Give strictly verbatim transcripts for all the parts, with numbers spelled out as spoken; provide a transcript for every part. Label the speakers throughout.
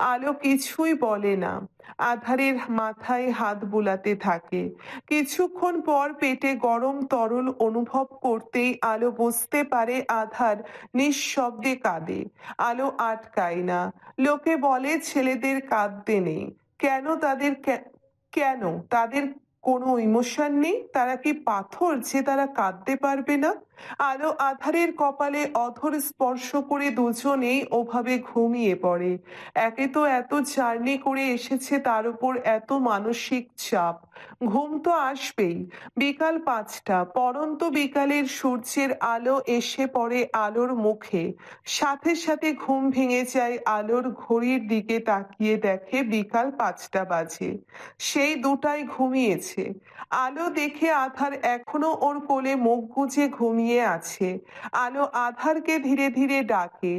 Speaker 1: আলো কিছুই বলে না। আধারের মাথায় হাত বুলাতে থাকে। কিছুক্ষণ পর পেটে গরম তরল অনুভব করতেই আলো বুঝতে পারে আধার নিঃশব্দে কাঁদে। আলো আটকায় না। লোকে বলে ছেলেদের কাঁদতে নেই। কেন তাদের কে- কেন তাদের কোনো ইমোশন নেই? তারা কি পাথর যে তারা কাঁদতে পারবে না? আলো আধারের কপালে অধর স্পর্শ করে দুজনেই ওভাবে ঘুমিয়ে পড়ে। একে তো এত জার্নি করে এসেছে, তার উপর এত মানসিক চাপ। ঘুম তো আসবেই। বিকাল পাঁচটা, পড়ন্ত বিকালের সূর্যের আলো এসে পড়ে আলোর মুখে। সাথে সাথে ঘুম ভেঙে যায় আলোর। ঘড়ির দিকে তাকিয়ে দেখে বিকাল পাঁচটা বাজে। সেই দুটায় ঘুমিয়েছে। আলো দেখে আধার এখনো ওর কোলে মুখ গুজে ঘুমিয়ে আছে। আলো আধারকে ধীরে ধীরে ডাকে।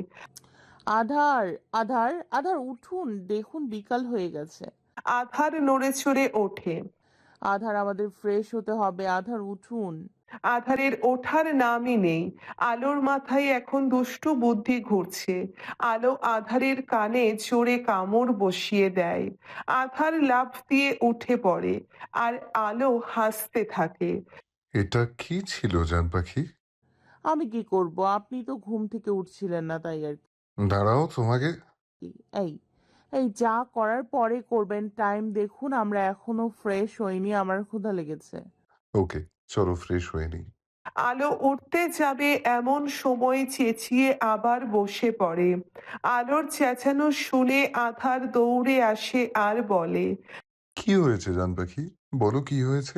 Speaker 2: আধার, আধার, আধার উঠুন, দেখুন বিকাল হয়ে গেছে।
Speaker 1: আধার নড়ে চড়ে ওঠে।
Speaker 2: আধার, আমাদের ফ্রেশ হতে হবে। আধার উঠুন।
Speaker 1: আধারের ওঠার নামই নেই। আলোর মাথায় এখন দুষ্টু বুদ্ধি ঘুরছে। আলো আধারের কানে জোরে কামড় বসিয়ে দেয়। আধার লাফ দিয়ে উঠে পড়ে। আর আলো হাসতে থাকে।
Speaker 3: এটা কি ছিল জান পাখি?
Speaker 2: আমি কি করব? আপনি তো ঘুম থেকে উঠছিলেন না, তাই আর
Speaker 3: দাঁড়াও, তোমাকে
Speaker 2: কি। এই এই যা করার পরে করবেন। টাইম দেখুন, আমরা এখনো ফ্রেশ হইনি, আমার ক্ষুধা লেগেছে।
Speaker 3: ওকে, চলো ফ্রেশ হয়ে নিই।
Speaker 1: আলো উঠতে যাবে এমন সময় চেঁচিয়ে আবার বসে পড়ে। আলোর চেঁচানো শুনে আধার দৌড়ে আসে আর বলে,
Speaker 3: কি হয়েছে জান পাখি? বলো কি হয়েছে?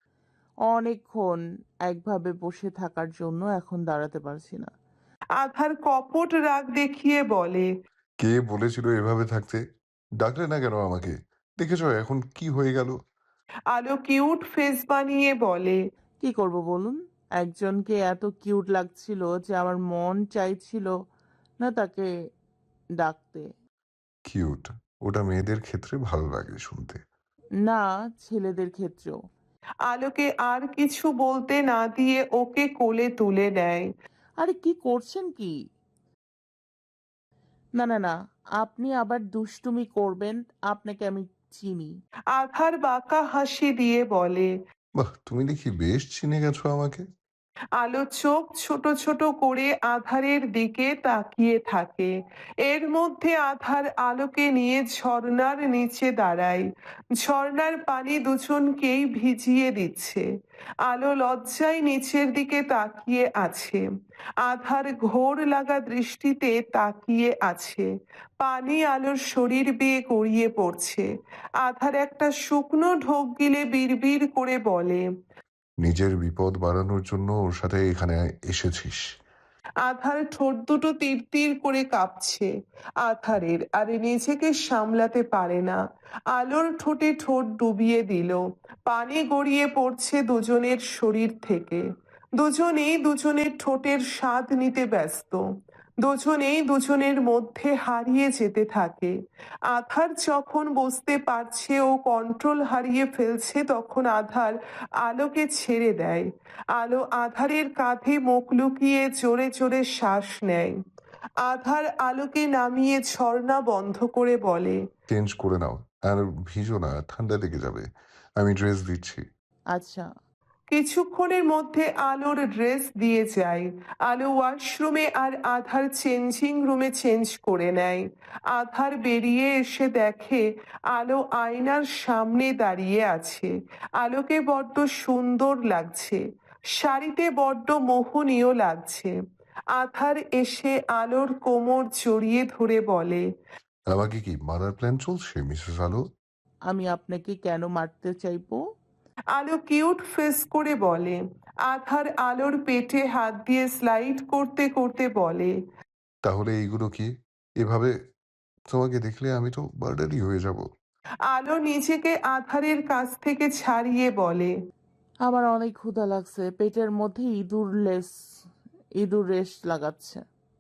Speaker 2: অনেকক্ষণ একভাবে বসে থাকার জন্য এখন দাঁড়াতে পারছি না।
Speaker 1: আধার কপট রাগ দেখিয়ে বলে,
Speaker 3: কে বলেছিল এভাবে থাকতে? ডাকলে না কেন আমাকে? দেখেছো এখন কি হয়ে গেল?
Speaker 1: আলো কিউট ফেস বানিয়ে বলে,
Speaker 2: কি করব বলুন? একজনকে এত কিউট লাগছিল যে আমার মন চাইছিল না তাকে ডাকতে।
Speaker 3: কিউট? ওটা মেয়েদের ক্ষেত্রে ভালো লাগে শুনতে।
Speaker 2: না, ছেলেদের ক্ষেত্রেও।
Speaker 1: আলোকে আর কিছু বলতে না দিয়ে ওকে কোলে তুলে নেয়।
Speaker 2: আরে কি করছেন কি? না না না, আপনি আবার দুষ্টুমি করবেন। আপনাকে আমি চিনি।
Speaker 1: আধার বাঁকা হাসি দিয়ে বলে,
Speaker 3: বাহ, তুমি দেখি বেশ চিনে গেছো আমাকে।
Speaker 1: আলো চোখ ছোট ছোট করে আধারের দিকে তাকিয়ে থাকে। এর মধ্যে আধার আলোকে নিয়ে ঝর্ণার নিচে দাঁড়ায়। ঝর্ণার পানি দুজনকেই ভিজিয়ে দিচ্ছে। আলো লজ্জায় নিচের দিকে তাকিয়ে আছে। আধার ঘোর লাগা দৃষ্টিতে তাকিয়ে আছে। পানি আলোর শরীর বেয়ে গড়িয়ে পড়ছে। আধার একটা শুকনো ঢোক গিলে বিড়বিড় করে বলে,
Speaker 3: নিজের বিপদ বাড়ানোর জন্য ওর সাথে এখানে এসেছিস?
Speaker 1: আধার ঠোঁট দুটো তীর তীর করে কাঁপছে। আধারের আর নিজেকে সামলাতে পারে না। আলোর ঠোঁটে ঠোঁট ডুবিয়ে দিল। পানি গড়িয়ে পড়ছে দুজনের শরীর থেকে। দুজনেই দুজনের ঠোঁটের স্বাদ নিতে ব্যস্ত। দুজনেই দুজনের মধ্যে হারিয়ে যেতে থাকে। আধার যখন বুঝতে পারছে ও কন্ট্রোল হারিয়ে ফেলছে, তখন আধার আলোকে ছেড়ে দেয়। আলো আধারের কাঁধে মুখ লুকিয়ে জোরে জোরে শ্বাস নেয়। আধার আলোকে নামিয়ে ঝর্ণা বন্ধ করে বলে,
Speaker 3: চেঞ্জ করে নাও। আর ভিজো না, ঠান্ডা লেগে যাবে। আমি ড্রেস দিচ্ছি।
Speaker 2: আচ্ছা।
Speaker 1: কিছুক্ষণের মধ্যে আলোর ড্রেস দিয়ে যায়। আলো ওয়াশরুমে আর আধার চেঞ্জিং রুমে চেঞ্জ করে নেয়। আধার বেরিয়ে এসে দেখে আলো আয়নার সামনে দাঁড়িয়ে আছে। আলোকে বড্ড সুন্দর লাগছে। শাড়িতে বড্ড মোহনীয় লাগছে। আধার এসে আলোর কোমর জড়িয়ে ধরে বলে,
Speaker 3: আমাকে কি মারার প্ল্যান চলছে মিসেস আলো?
Speaker 2: আমি আপনাকে কেন মারতে চাইবো?
Speaker 1: আলো কিউট ফেস করে বলে। আধার আলোর পেটে হাত দিয়ে স্লাইড করতে করতে বলে,
Speaker 3: তাহলে এইগুলো কি? এভাবে তোমাকে দেখলে আমি তো বার্ডারই হয়ে যাব।
Speaker 1: আলো নিজেকে আধারের কাছ থেকে ছাড়িয়ে বলে,
Speaker 2: আমার অনেক ক্ষুধা লাগছে। পেটের মধ্যে ইঁদুর লেস ইঁদুর রেশ লাগাচ্ছে।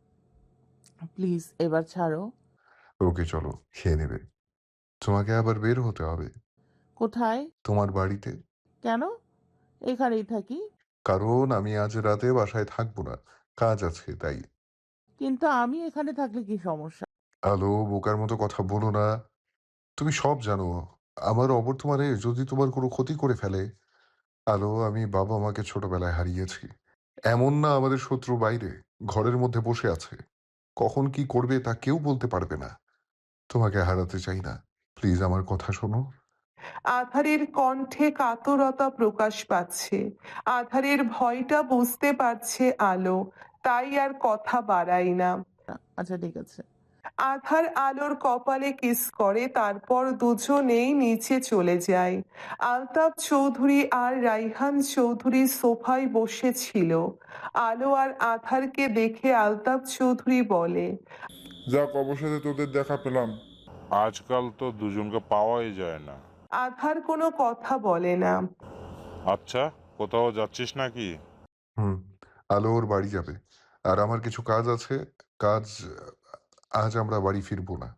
Speaker 2: প্লিজ এবার ছাড়ো।
Speaker 3: ওকে চলো, খেয়ে নেবে। তোমাকে আবার বের হতে হবে।
Speaker 2: কোথায়?
Speaker 3: তোমার বাড়িতে।
Speaker 2: কেন? এখানেই থাকি।
Speaker 3: কারণ আমি আজ রাতে বাসায় থাকবো না। কাজ আছে তাই।
Speaker 2: কিন্তু আমি এখানে থাকলে কি সমস্যা?
Speaker 3: আলো, বোকার মতো কথা বলো না। তুমি সব জানো। আমার অবর্তমানে যদি তোমার কোনো ক্ষতি করে ফেলে। আলো, আমি বাবা মাকে ছোটবেলায় হারিয়েছি। এমন না আমাদের শত্রু বাইরে, ঘরের মধ্যে বসে আছে। কখন কি করবে তা কেউ বলতে পারবে না। তোমাকে হারাতে চাই না। প্লিজ আমার কথা শোনো।
Speaker 1: আধারের কণ্ঠে কাতরতা প্রকাশ পাচ্ছে। আধারের ভয়টা বুঝতে পারছে আলো, তাই আর কথা বাড়ায় না।
Speaker 2: আচ্ছা ঠিক আছে।
Speaker 1: আধার আলোর কপালে কিস করে, তারপর দুজনেই নিচে চলে যায়। আলতাফ চৌধুরী আর রাইহান চৌধুরী সোফায় বসেছিল। আলো আর আধারকে দেখে আলতাফ চৌধুরী বলে,
Speaker 4: যাক, অবশেষে তোদের দেখা পেলাম।
Speaker 5: আজকাল তো দুজনকে পাওয়াই যায় না।
Speaker 1: আধার কোনো কথা বলে না।
Speaker 5: আচ্ছা, কোথাও যাচ্ছিস নাকি?
Speaker 3: হুম। আলো ওর বাড়ি যাবে। আর আমার কিছু কাজ আছে। কাজ আজ আমরা বাড়ি ফিরবো না।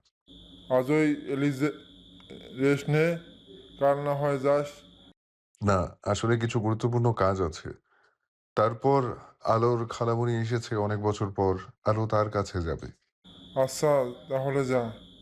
Speaker 4: আজই এলিজে রেস্ট নে, কাল না হয় যাস।
Speaker 3: না, আসলে কিছু গুরুত্বপূর্ণ কাজ আছে। তারপর আলোর খালামণি এসেছে অনেক বছর পর। আলো তার কাছে যাবে।
Speaker 4: আচ্ছা, তাহলে যা।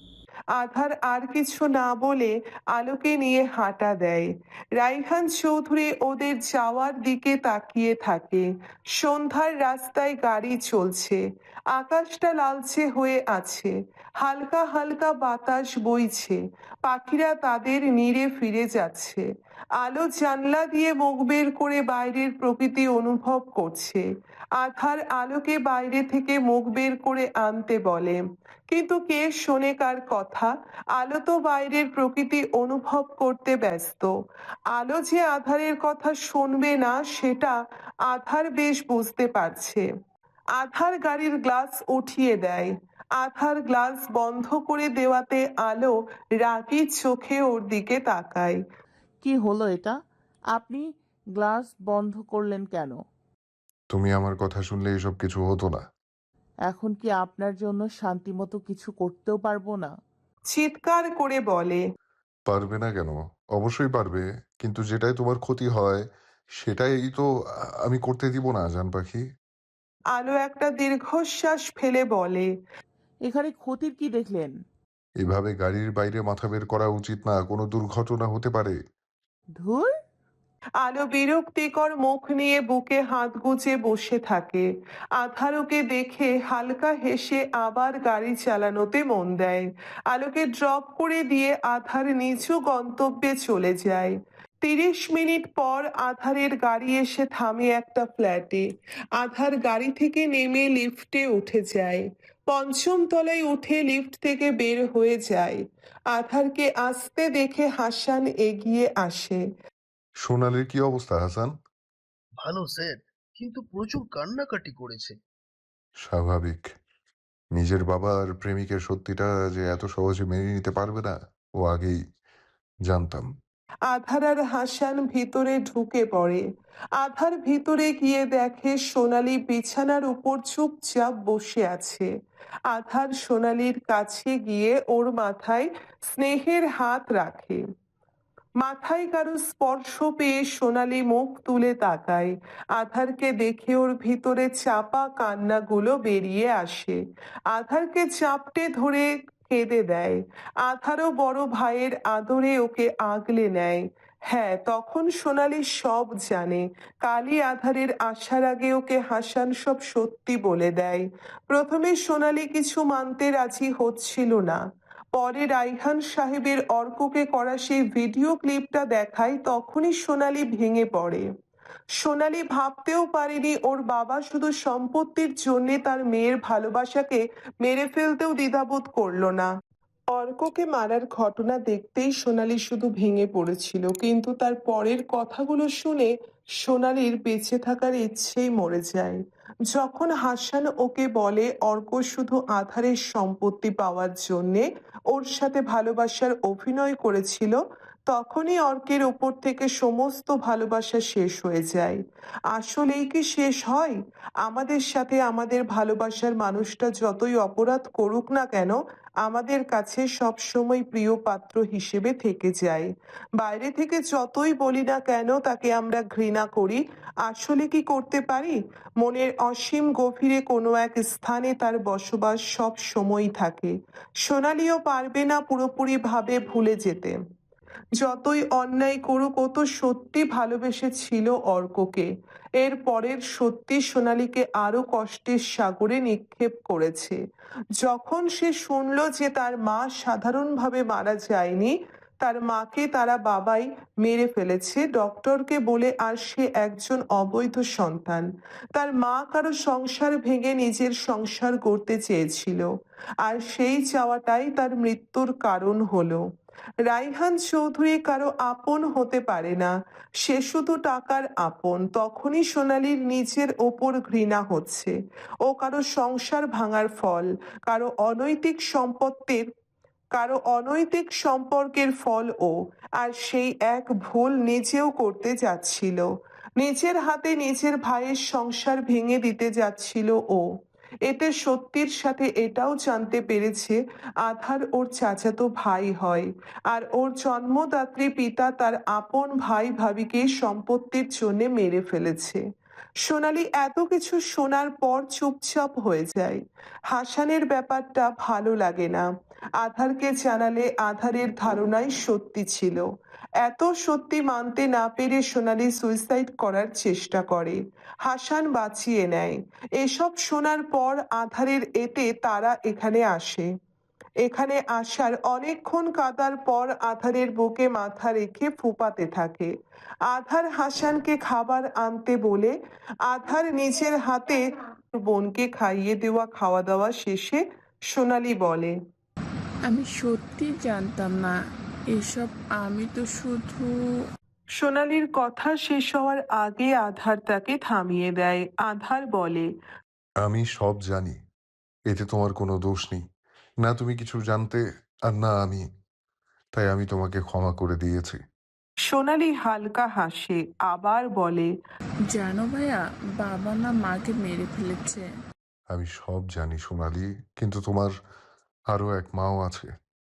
Speaker 1: আধার আর কিছু না বলে আলোকে নিয়ে হাঁটা দেয়। রাইহান চৌধুরী ওদের যাওয়ার দিকে তাকিয়ে থাকে। সন্ধ্যার রাস্তায় গাড়ি চলছে। আকাশটা লালচে হয়ে আছে। হালকা হালকা বাতাস বইছে। পাখিরা তাদের নীড়ে ফিরে যাচ্ছে। আলো জানলা দিয়ে মুখ বের করে বাইরের প্রকৃতি অনুভব করছে। আধার আলোকে বাইরে থেকে মুখ বের করে আনতে বলে, কিন্তু কে শোনে কার কথা। আলো তো বাইরের প্রকৃতি অনুভব করতে ব্যস্ত। আলো যে আধারের কথা শুনবে না সেটা আধার বেশ বুঝতে পারছে। আধার গাড়ির গ্লাস উঠিয়ে দেয়। আধার গ্লাস বন্ধ করে দেওয়াতে আলো রাগী চোখে ওর দিকে তাকায়।
Speaker 2: কি হলো এটা? আপনি গ্লাস বন্ধ করলেন কেন?
Speaker 3: তুমি আমার কথা শুনলে এসব কিছু হতো না।
Speaker 2: এখন কি আপনার জন্য শান্তিমতো কিছু করতেও পারবো না?
Speaker 1: চিৎকার করে বলে,
Speaker 3: পারবে না কেন? অবশ্যই পারবে। কিন্তু যেটাই তোমার ক্ষতি হয় সেটাই তো আ আমি করতে দিব না জান পাখি।
Speaker 1: আলো একটা দীর্ঘশ্বাস ফেলে বলে,
Speaker 2: এখানে ক্ষতির কি দেখলেন?
Speaker 3: এভাবে গাড়ির বাইরে মাথা বের করা উচিত না। কোনো দুর্ঘটনা হতে পারে।
Speaker 2: ধুর।
Speaker 1: আলো বিরক্তিকর মুখ নিয়ে বুকে হাত গুজে বসে থাকে। আধারকে দেখে হালকা হেসে আবার গাড়ি চালানোতে মন দেয়। আলোকে ড্রপ করে দিয়ে আধার নিচু গন্তব্যে চলে যায়। তিরিশ মিনিট পর আধারের গাড়ি এসে থামে একটা ফ্ল্যাটে। আধার গাড়ি থেকে নেমে লিফটে উঠে যায়। পঞ্চম তলায় উঠে লিফট থেকে বের হয়ে যায়। আধারকে আসতে দেখে হাসান এগিয়ে আসে।
Speaker 3: সোনালির কি অবস্থা হাসান?
Speaker 6: ভালো স্যার, কিন্তু প্রচুর কান্নাকাটি করেছে।
Speaker 3: স্বাভাবিক। নিজের বাবার প্রেমিকের সত্যিটা যে এত সহজে মেনে নিতে পারবে না, ও আগেই জানতাম।
Speaker 1: আধার আর হাসান ভিতরে ঢুকে পড়ে। আধার ভিতরে গিয়ে দেখে সোনালি বিছানার উপর চুপচাপ বসে আছে। আধার সোনালির কাছে গিয়ে ওর মাথায় স্নেহের হাত রাখে। মাথায় কারো স্পর্শ পেয়ে সোনালি মুখ তুলে তাকায়। আধারকে দেখে ওর ভিতরে চাপা কান্নাগুলো বেরিয়ে আসে। আধারকে চাপটে ধরে কেঁদে দেয়। আধারও বড় ভাইয়ের আদরে ওকে আগলে নেয়। হ্যাঁ, তখন সোনালি সব জানে। কালই আধারের আসার আগে ওকে হাসান সব সত্যি বলে দেয়। প্রথমে সোনালি কিছু মানতে রাজি হচ্ছিল না। পরে রাইহান সাহেবের অর্ককে করা সেই ভিডিও ক্লিপটা দেখায়, তখনই সোনালি ভেঙে পড়ে। সোনালি ভাবতেও পারেনি ওর বাবা শুধু সম্পত্তির জন্যে তার মেয়ের ভালোবাসাকে মেরে ফেলতেও দ্বিধাবোধ করলো না। অর্ককে মারার ঘটনা দেখতেই সোনালি শুধু ভেঙে পড়েছিল, কিন্তু তার পরের কথাগুলো শুনে সোনালির বেঁচে থাকার ইচ্ছেই মরে যায়। যখন হাসান ওকে বলে অর্ক শুধু আধারের সম্পত্তি পাওয়ার জন্যে ওর সাথে ভালোবাসার অভিনয় করেছিল, তখনই অর্কের ওপর থেকে সমস্ত ভালোবাসা শেষ হয়ে যায়। আসলেই কি শেষ হয়? আমাদের সাথে আমাদের ভালোবাসার মানুষটা যতই অপরাধ করুক না কেন, আমাদের কাছে সবসময় প্রিয় পাত্র হিসেবে থেকে যায়। বাইরে থেকে যতই বলি না কেন তাকে আমরা ঘৃণা করি, আসলে কি করতে পারি? মনের অসীম গভীরে কোনো এক স্থানে তার বসবাস সব সময় থাকে। সোনালিও পারবে না পুরোপুরিভাবে ভুলে যেতে। যতই অন্যায় করুক ও তো সত্যি ভালোবেসেছিল অর্ককে। এর পরের সত্যি সোনালীকে আরো কষ্টের সাগরে নিক্ষেপ করেছে। যখন সে শুনল যে তার মা সাধারণভাবে মারা যায়নি, তার মাকে তারা বাবাই মেরে ফেলেছে ডক্টরকে বলে, আর সে একজন অবৈধ সন্তান। তার মা কারো সংসার ভেঙে নিজের সংসার গড়তে চেয়েছিল, আর সেই চাওয়াটাই তার মৃত্যুর কারণ হলো। রাইহান চৌধুরী কারো আপন হতে পারে না, সে শুধু টাকার আপন। তখনই সোনালীর নিজের ওপর ঘৃণা হচ্ছে। ও কারো সংসার ভাঙার ফল, কারো অনৈতিক সম্পত্তির কারো অনৈতিক সম্পর্কের ফল ও। আর সেই এক ভুল নিজেও করতে যাচ্ছিল, নিজের হাতে নিজের ভাইয়ের সংসার ভেঙে দিতে যাচ্ছিল ও। এতে সত্যির সাথে এটাও জানতে পেরেছে আধার ওর চাচাতো ভাই হয়, আর ওর জন্মদাত্রী পিতা তার আপন ভাই ভাবিকে সম্পত্তির জন্য মেরে ফেলেছে। সোনালী এত কিছু শোনার পর চুপচাপ হয়ে যায়। হাসানের ব্যাপারটা ভালো লাগে না। আধারকে জানালে আধারের ধারণাই সত্যি ছিল। এত সত্যি মানতে না পেরে সোনালী সুইসাইড করার চেষ্টা করে, হাসান বাঁচিয়ে নেয়। এসব শোনার পর আধারের এতে তারা এখানে আসে। এখানে আসার অনেকক্ষণ কাঁদার পর আধারের বুকে মাথা রেখে ফুপাতে থাকে। আধার হাসানকে খাবার আনতে বলে, আধার নিজের হাতে বোনকে খাইয়ে দেওয়া খাওয়া দাওয়া শেষে সোনালী বলে,
Speaker 7: আমি সত্যি জানতাম না এসব। আমি তো শুধু
Speaker 1: সোনালীর কথা শেষ হওয়ার আগে আধার তাকে থামিয়ে দেয়। আধার বলে,
Speaker 3: আমি সব জানি, এতে তোমার কোনো দোষ নেই। না তুমি কিছু জানতে, আর না আমি। তাই আমি তোমাকে ক্ষমা করে দিয়েছি।
Speaker 1: সোনালী হালকা হাসে, আবার বলে,
Speaker 7: জানো ভাইয়া, বাবা না মাকে মেরে ফেলেছে।
Speaker 3: আমি সব জানি সোনালি, কিন্তু তোমার আরো এক মাও আছে।